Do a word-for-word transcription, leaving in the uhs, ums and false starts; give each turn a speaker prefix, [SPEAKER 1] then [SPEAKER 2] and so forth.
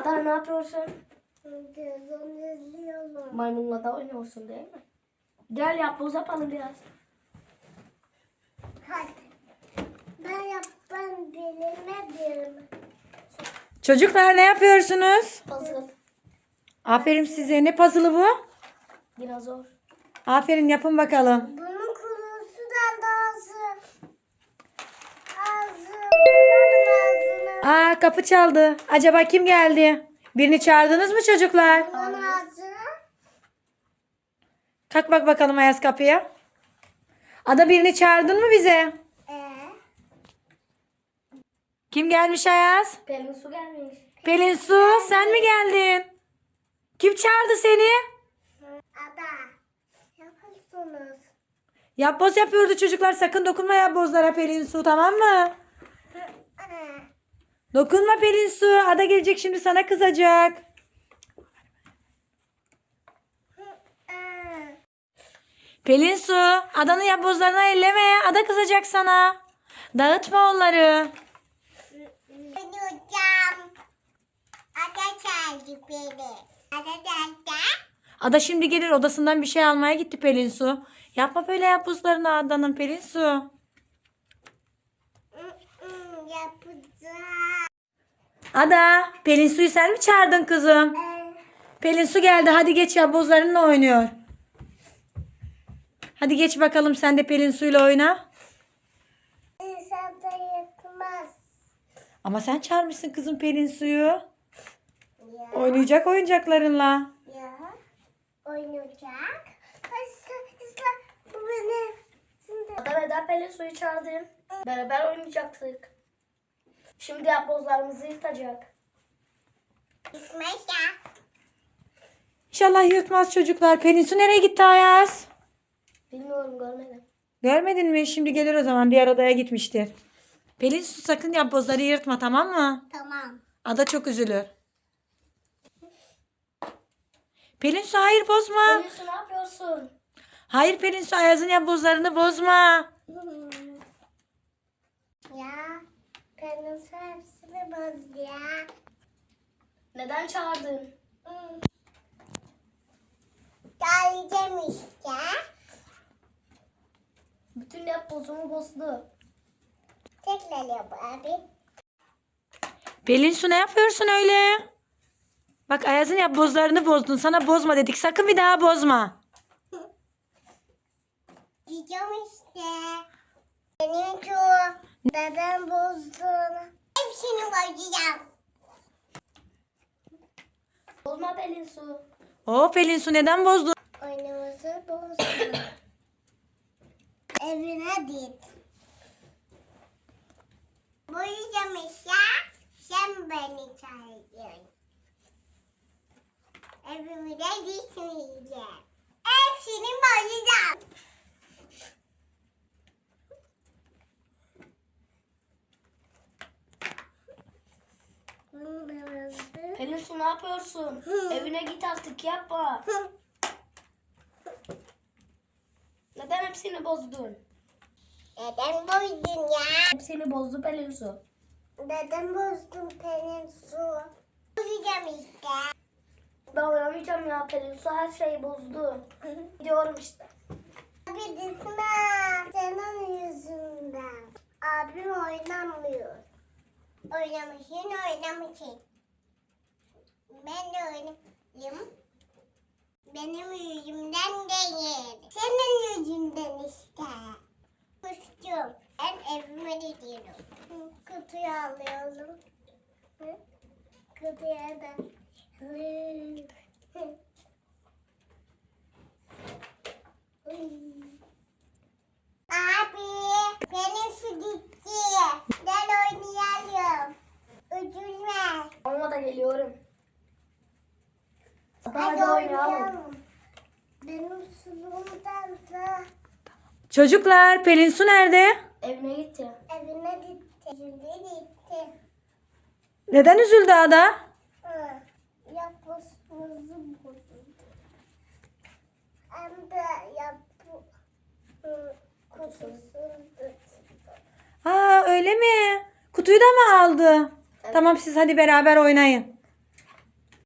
[SPEAKER 1] Ada ne yapıyorsun?
[SPEAKER 2] Televizyon izliyorum.
[SPEAKER 1] Maymunla da oynuyorsun değil mi? Gel yapboz yapalım biraz.
[SPEAKER 2] Hadi. Ben yap ben bilemedim.
[SPEAKER 3] Çocuklar ne yapıyorsunuz?
[SPEAKER 1] Puzzle.
[SPEAKER 3] Aferin size. Ne puzzle'ı bu?
[SPEAKER 1] Dinozor.
[SPEAKER 3] Aferin, yapın bakalım.
[SPEAKER 2] Bunun kurusu da ağzı. Ağzı. Bunun ağzını.
[SPEAKER 3] Aa, kapı çaldı. Acaba kim geldi? Birini çağırdınız mı çocuklar?
[SPEAKER 2] Bunun ağzı.
[SPEAKER 3] Kalk bak bakalım Ayaz kapıya. Ada, birini çağırdın mı bize?
[SPEAKER 2] Ee,
[SPEAKER 3] Kim gelmiş Ayaz?
[SPEAKER 1] Pelin su gelmiş.
[SPEAKER 3] Pelin Su, sen mi geldin? Kim çağırdı seni?
[SPEAKER 2] Ada. Yapıyorsunuz.
[SPEAKER 3] Yapboz yapıyordu çocuklar. Sakın dokunma yapbozlara Pelin Su, tamam mı?
[SPEAKER 2] Ee,
[SPEAKER 3] Dokunma Pelin Su. Ada gelecek şimdi, sana kızacak.
[SPEAKER 2] ee.
[SPEAKER 3] Pelin Su, Ada'nın yapbozlarına elleme. Ada kızacak sana. Dağıtma onları.
[SPEAKER 2] Ben hocam. Ada çağırdı beni. Ada nerede?
[SPEAKER 3] Ada şimdi gelir, odasından bir şey almaya gitti Pelin Su. Yapma böyle yapbozlarını Ada'nın Pelin Su.
[SPEAKER 2] Yapacağım.
[SPEAKER 3] Ada, Pelin Su'yu sen mi çağırdın kızım?
[SPEAKER 2] Ee,
[SPEAKER 3] Pelin Su geldi, hadi geç, yapbozlarınla oynuyor. Hadi geç bakalım, sen de Pelin Su'yla oyna.
[SPEAKER 2] İnsan da yetmez.
[SPEAKER 3] Ama sen çağırmışsın kızım Pelin Su'yu.
[SPEAKER 2] Ya.
[SPEAKER 3] Oynayacak oyuncaklarınla.
[SPEAKER 2] Ya. Oynayacak. Isla, ısla. Bu benim. Şimdi.
[SPEAKER 1] Ada neden Pelin suyu çağırdın? Beraber oynayacaktık. Şimdi yapbozlarımızı yırtacak.
[SPEAKER 2] İsmail ya.
[SPEAKER 3] İnşallah yırtmaz çocuklar. Pelin Su nereye gitti Ayaz?
[SPEAKER 1] Bilmiyorum, görmedim.
[SPEAKER 3] Görmedin mi? Şimdi gelir o zaman. Diğer odaya gitmiştir. Pelin Su, sakın yapbozları yırtma, tamam mı?
[SPEAKER 2] Tamam.
[SPEAKER 3] Ada çok üzülür. Pelin Su, hayır bozma.
[SPEAKER 1] Pelin su ne yapıyorsun?
[SPEAKER 3] Hayır Pelin Su, Ayaz'ın yapbozlarını bozma.
[SPEAKER 2] Ya. Benim hepsini bozdu ya.
[SPEAKER 1] Neden çağırdın?
[SPEAKER 2] Geleceğim işte.
[SPEAKER 1] Bütün yapbozumu bozdu.
[SPEAKER 2] Tekrar yap abi.
[SPEAKER 3] Pelin Su, ne yapıyorsun öyle? Bak, Ayaz'ın yapbozlarını bozdun. Sana bozma dedik. Sakın bir daha bozma.
[SPEAKER 2] Diyeceğim işte. Benim şu neden bozdun? Hepsini bozacağım.
[SPEAKER 1] Bozma Pelin su.
[SPEAKER 3] Oo Pelin Su, neden bozdun?
[SPEAKER 2] Oyunumuzu bozdun. Evine git. Boyayacağım işte. Sen beni çağırıyorsun. Evime gitmeyeceğim. Hepsini bozacağım.
[SPEAKER 1] Pelin su ne yapıyorsun? Evine git artık, yapma. Neden hepsini bozdun?
[SPEAKER 2] Neden bozdun ya?
[SPEAKER 1] Hepsini bozdu Pelin su.
[SPEAKER 2] Neden bozdun Pelin Su? Bozacağım işte.
[SPEAKER 1] Ben oynamayacağım ya, Pelin su her şeyi bozdu. Gidiyorum işte.
[SPEAKER 2] Abi gitme. Senin yüzünden. Abim oynamıyor. Oynamışsın oynamışsın. Ben de oynayayım. Benim yüzümden değil. Senin yüzünden işte. Kustum. Ben evime gidiyorum. Hı, kutuyu alıyorum. Hı, kutuya da. Hı, hı. Abi, benim su gitti. Gel oynayalım. Üzülme.
[SPEAKER 1] Ama da geliyorum. Hadi,
[SPEAKER 2] Hadi
[SPEAKER 1] hadi oynayalım.
[SPEAKER 2] oynayalım. Benim suluğumdan da
[SPEAKER 3] Çocuklar, Pelin Su nerede?
[SPEAKER 1] Evine gitti.
[SPEAKER 2] evine gitti. Şimdi gitti.
[SPEAKER 3] Neden üzüldü Ada?
[SPEAKER 2] Hı. Yapısımızı bozuldu. Hem de yapı hı, kutusuzdu.
[SPEAKER 3] Aa, öyle mi? Kutuyu da mı aldı? Tamam, siz hadi beraber oynayın.